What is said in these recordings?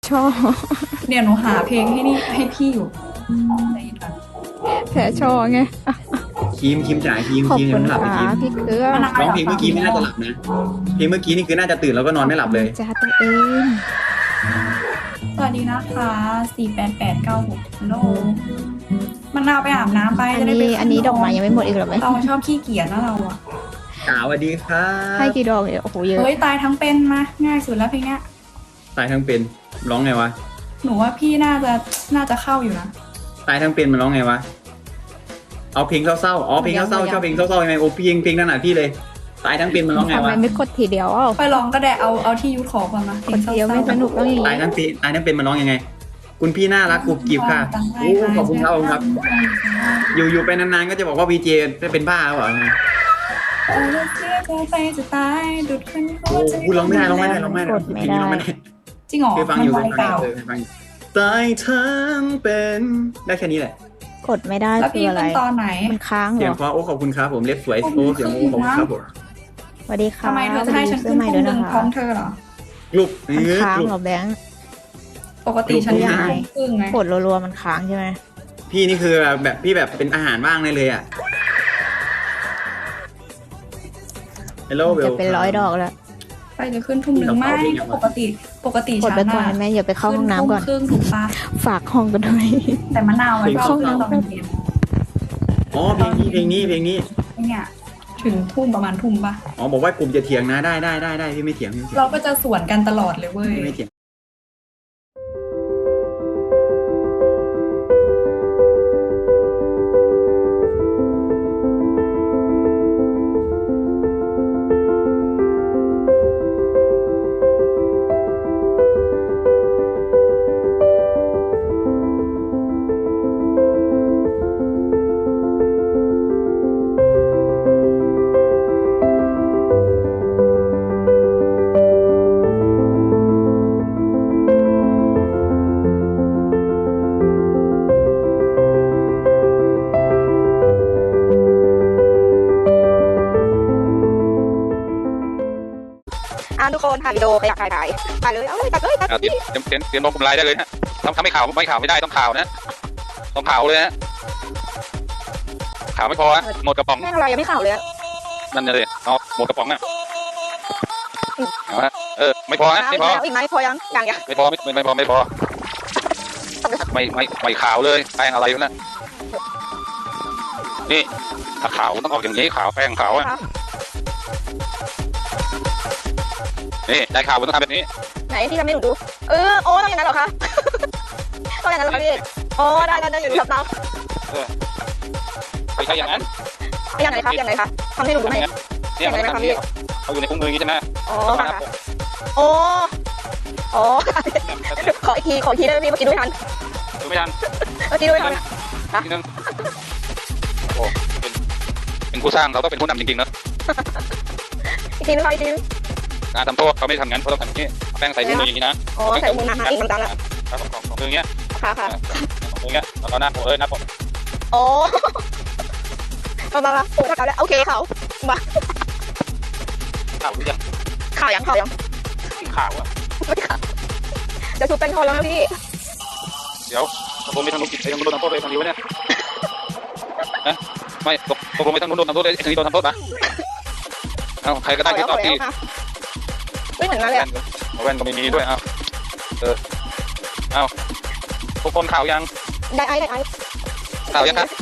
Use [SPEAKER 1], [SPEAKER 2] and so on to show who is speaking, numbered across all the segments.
[SPEAKER 1] ชอบ
[SPEAKER 2] เดี๋ยวหนูหาเพลงให้นี่ให้พี่อยู่ใจเย็นก่อน
[SPEAKER 1] แพ้ชอบไง
[SPEAKER 3] คิมจ๋าคิม
[SPEAKER 1] ขอบ
[SPEAKER 3] คิมยั
[SPEAKER 1] คุ
[SPEAKER 3] ง
[SPEAKER 1] ณ
[SPEAKER 3] ไม่หลับ
[SPEAKER 1] ค่ะ
[SPEAKER 3] เลยคิม
[SPEAKER 1] พี่เครือ
[SPEAKER 3] ร้องเพลงเมื่อกี้ไม่น่าจะหลับนะเพลงเมื่อกี้นี่คือน่าจะตื่นแล้วก็นอนไม่หลับเลย
[SPEAKER 1] จ้าตัวเอง
[SPEAKER 2] สวัสดีนะคะ48896ฮัลโหลมันเอาไปอาบน้ำไป
[SPEAKER 1] อัน
[SPEAKER 2] จะได้ไป
[SPEAKER 1] นี้อันนี้ดอกไม้ยังไม่หมดอีกเหรอไหม
[SPEAKER 2] เราชอบขี้เกียจนะเราอะ
[SPEAKER 3] สวัสดีครั
[SPEAKER 1] ให้
[SPEAKER 3] บ
[SPEAKER 1] กี่ดอกเนี่ยโอ้โหเยอะ
[SPEAKER 2] เฮ้ยตายทั้งเป็นมาง่ายสุดแล้วเพลงเนี้ย
[SPEAKER 3] ตายทั้งเป็นร้องไงวะ
[SPEAKER 2] หนูว่าพี่น่าจะเข้าอยู่นะ
[SPEAKER 3] ตายทั้งเป็นมันร้องไงวะเอาเพลงเศร้าๆอ๋อเพลงเศร้าๆชอบเพลงเศร้าๆยังไงโอ้เพลงนั่นน่ะพี่เลยตายทั้งเป็นมันร้องไง
[SPEAKER 1] ทำไม
[SPEAKER 3] วะ
[SPEAKER 1] ไม่กดทีเดียวอ้าว
[SPEAKER 2] ไปลองก็ได้เอาที่ยุทธขอก่อนมาเพล
[SPEAKER 1] ก
[SPEAKER 2] ง
[SPEAKER 1] ดทีเดียวไม่สนุกต้องอย่าง
[SPEAKER 3] ตาย
[SPEAKER 1] นี้
[SPEAKER 3] ทั้งเป็นตายทั้งเป็นมันร้องยังไง คุณพี่น่ารักกรุบกริบค่ะโอ้ขอบคุณครับผมครับ อยู่ไปนานๆก็จะบอกว่าวีเจเป็นบ้าหรือเปล่า
[SPEAKER 2] เออเสียใจไปจะตายดุดขึ้น
[SPEAKER 3] โอ้พูดร้องไม่ได้เพลงนี้ร้องไม่ได้
[SPEAKER 2] จริงเหรอ
[SPEAKER 3] เคยฟัง
[SPEAKER 2] มัน
[SPEAKER 3] อยู่
[SPEAKER 2] ไว
[SPEAKER 3] เคย
[SPEAKER 2] เปล่า
[SPEAKER 3] ฟังอยู่ตายทั้งเป็นได้แค่นี้แหละ
[SPEAKER 1] กดไม่ได้
[SPEAKER 2] แล้ว
[SPEAKER 1] คื
[SPEAKER 2] พี่
[SPEAKER 1] ออะไร
[SPEAKER 2] ขึ้นตอนไหน
[SPEAKER 1] มันค้างเห
[SPEAKER 3] เสี
[SPEAKER 1] ร
[SPEAKER 3] ยง
[SPEAKER 1] อ
[SPEAKER 3] เพราะโอ้ขอบคุณครับผมเล็บสวยโอ้เสียงโอ้ขอบคุณครับผม
[SPEAKER 1] สวัสดีค่ะ
[SPEAKER 2] ทำไมเธอจะให้ฉัน
[SPEAKER 1] ซื้
[SPEAKER 2] ขึ้
[SPEAKER 1] อน ใหม่
[SPEAKER 2] ทุ่
[SPEAKER 1] ด้วย
[SPEAKER 2] มหนึ่ง
[SPEAKER 1] นะคะ
[SPEAKER 2] พร้อมเธอเหรอ
[SPEAKER 3] ลูก
[SPEAKER 1] มันค้าง
[SPEAKER 3] ลูก
[SPEAKER 1] เหรอแบงค์
[SPEAKER 2] ปกติฉัน
[SPEAKER 3] ลูก
[SPEAKER 2] ยัง
[SPEAKER 1] ได้
[SPEAKER 2] ครึ่งไง
[SPEAKER 1] กดรัวๆมันค้างใช่ไหม
[SPEAKER 3] พี่นี่คือแบบพี่แบบเป็นอาหารว่างได้เลยอ่ะ Hello
[SPEAKER 1] จะเป็น100 ดอกแล้ว
[SPEAKER 2] ไปจะขึ้นทุ่มหนึ่งไม่ปกติ
[SPEAKER 1] กด
[SPEAKER 2] ฉั
[SPEAKER 1] ไป
[SPEAKER 2] น
[SPEAKER 1] ก่อน
[SPEAKER 2] น่ะ
[SPEAKER 1] ได้ไหมอย่าไปเข้าห้องน้ำก่อน
[SPEAKER 2] ขึ้ทุ่มครึ่งถูกปะ
[SPEAKER 1] ฝากห้องกันด้วย
[SPEAKER 2] แต่มะนาวไว้
[SPEAKER 1] เข้า
[SPEAKER 2] ก็
[SPEAKER 1] น้ำ
[SPEAKER 2] ต้องเรียน
[SPEAKER 3] อ๋อเพลงนี้
[SPEAKER 2] เนี่ยถึงทุ่มประมาณทุ่มปะ
[SPEAKER 3] อ๋อบอกว่ากลุ่มจะเถียงนะได้พี่ไม่เถียง
[SPEAKER 2] เราก็จะสวนกันตลอดเลยเว้ย
[SPEAKER 3] พี่ไม่เถียง
[SPEAKER 1] ทุกคนถ่ายวิดีโอใครอยากถ่ายเลยเอาเลยตัดเลยตัด
[SPEAKER 4] เตรียมลงกลุ่มไลน์ได้เลยฮะทำไม่ข่าวไม่ได้ต้องข่าวนะต้องข่าวเลยฮะข่าวไม่พอฮะหมดกระป๋อง
[SPEAKER 1] แม่งอะไรยังไม่ข่าวเลย
[SPEAKER 4] นั่นเลยเอาหมดกระป๋องอ่ะเอาฮะไม่พอฮะไม่พอ
[SPEAKER 1] อีกไหมพอยังยัง
[SPEAKER 4] ไม่พอไม่ข่าวเลยแป้งอะไรอยู่นะนี่ถ้าข่าวต้องออกอย่างนี้ข่าวแป้งข่าวอ่ะนี่ได้ข่าวมันต้องทำแบบนี้
[SPEAKER 1] ไหนที่ทำให้หนูดูโอ้ต้องอย่างนั้นเหรอคะต้องอย่างนั้นเหรอคะพี่โอ้ได้อยู่ครับน้อง
[SPEAKER 4] ไม่ใช่อย่างนั้น
[SPEAKER 1] อย่างไรคะทำให้หนูดูไหม
[SPEAKER 4] เนี่ยมันทำนี่เขาอยู่ในคุ้มมืออย่างนี้ใช่ไหม
[SPEAKER 1] อ๋อค่ะโอ้ขออีกทีได้ไหมพี่เมื่อกี้ดูไม่ทัน
[SPEAKER 4] ดูไม่ทัน
[SPEAKER 1] เมื่อกี้ดูไม่ทัน
[SPEAKER 4] นิดนึงโอ้เป็นผู้สร้างเราต้องเป็นผู้นำจริงๆนะ
[SPEAKER 1] อีกทีนึงค่ะอีกทีนึง
[SPEAKER 4] การทำโทษเขาไม่ทำงั้นเขาต้องทำอย่างนี้แป้งใส่มืออย่างนี้นะ
[SPEAKER 1] อ๋อใส่มือนะอีกมันตังละ
[SPEAKER 4] ของมืออย่างเงี้ย
[SPEAKER 1] ค่ะ
[SPEAKER 4] ของมืออย่างเงี้ยแล้วก็หน้าผมหน้าผม
[SPEAKER 1] โอ้มาโอ้ข่าวแล้วโอเคเขามา
[SPEAKER 4] ข่าวหรือยัง
[SPEAKER 1] ข่าวยัง
[SPEAKER 4] ข่าวอ่ะ
[SPEAKER 1] จะชูเป็นคนแล้วนะพี่
[SPEAKER 4] เดี๋ยวตกลงไปทางนู้นไปทางนู้นโดนทำโทษเลยทางนี้วะเนี่ยนะไม่ตกลงไปทางนู้นโดนทำโทษเลยทางนี้โดนทำโทษปะเอาใครก็ได้ที่ตอบที่
[SPEAKER 1] ไม่เหมือนกันเลย
[SPEAKER 4] แว่นก็ไม่มีด้วยเอาทุกคนข่าวยัง
[SPEAKER 1] ได้ไอ้
[SPEAKER 4] ข่าวยังครับ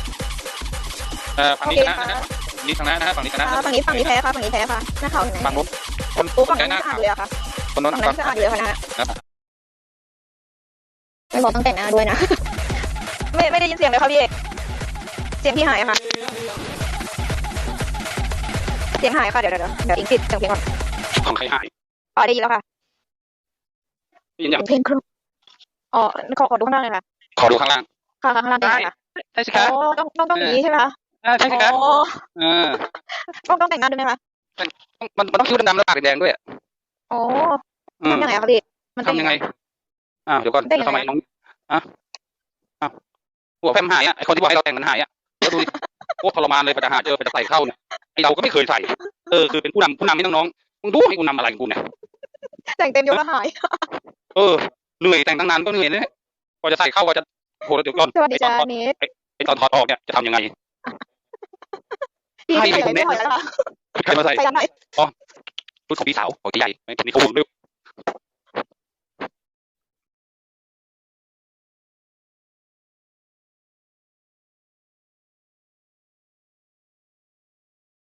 [SPEAKER 4] ฝั่งนี้ชนะนะฮะนี่ชนะนะฮะฝั่งนี้ชนะ
[SPEAKER 1] ฝั่งนี้แพ้ค่ะหน้าข่าวไหน
[SPEAKER 4] ฝั่งนู้นคน
[SPEAKER 1] โอ้ฝั่ง
[SPEAKER 4] ช
[SPEAKER 1] นั้น
[SPEAKER 4] นะ
[SPEAKER 1] สะอาดเลยอะค่ะ
[SPEAKER 4] คนนู้น
[SPEAKER 1] ฝั่งนั้นสะอาดเลยค่ะนะไม่บอกต้องแต่งหน้าด้วยนะไม่ได้ยินเสียงเลยค่ะพี่เอกเสียงพี่หายค่ะเสียงหายค่ะเดี๋ยวอิงติดเสียงเพลงก่อน
[SPEAKER 4] ของใครหาย
[SPEAKER 1] ได้ยินแล้วค่ะ
[SPEAKER 4] ยินยัง
[SPEAKER 1] เพลงครูขอดูข้างล่างเลยค่ะ
[SPEAKER 4] ขอดูข้างล่าง
[SPEAKER 1] ข้างล่างได้ค่ะ
[SPEAKER 4] ได้สิครับ
[SPEAKER 1] ต้องอย่างนี้ใช่ไหมคะ
[SPEAKER 4] ใช่สิครับ
[SPEAKER 1] ต้องแต่งหน้าด้วยไหมคะ
[SPEAKER 4] มันต้องคิ้วดำๆแล้วปากแดงด้วย
[SPEAKER 1] โอ้ทำยังไงคะพี่มัน
[SPEAKER 4] ทำยังไงเดี๋ยวก่อนทำไมน้องหัวแฟมหายไอคนที่บอกให้เราแต่งมันหายแล้วดูดิโคตรทรมานเลยไปจะหาเจอไปจะใส่เข้าเนี่ยไอเราก็ไม่เคยใส่คือเป็นผู้นำให้น้องๆมึงดูให้กูนำอะไรกูเนี่ย
[SPEAKER 1] แต่งเต็มยกแล้วหาย
[SPEAKER 4] เออเหนื่อยแต่งตั้งนานก็เหนื่อยนะกว่าจะใส่เข้าก็จะโหเดี๋ยวก่อน
[SPEAKER 1] สวัสดีจ้าเนท
[SPEAKER 4] ไอตอนถอดออกเนี่ยจะทำยังไง
[SPEAKER 1] พี่ใส่ไม่ถอยแล้วค่ะ
[SPEAKER 4] ใครมาใส่
[SPEAKER 1] ใส่ยังไง
[SPEAKER 4] ชุดของพี่สาวของพี่ใหญ่ไม่มีข้อมูลด้วย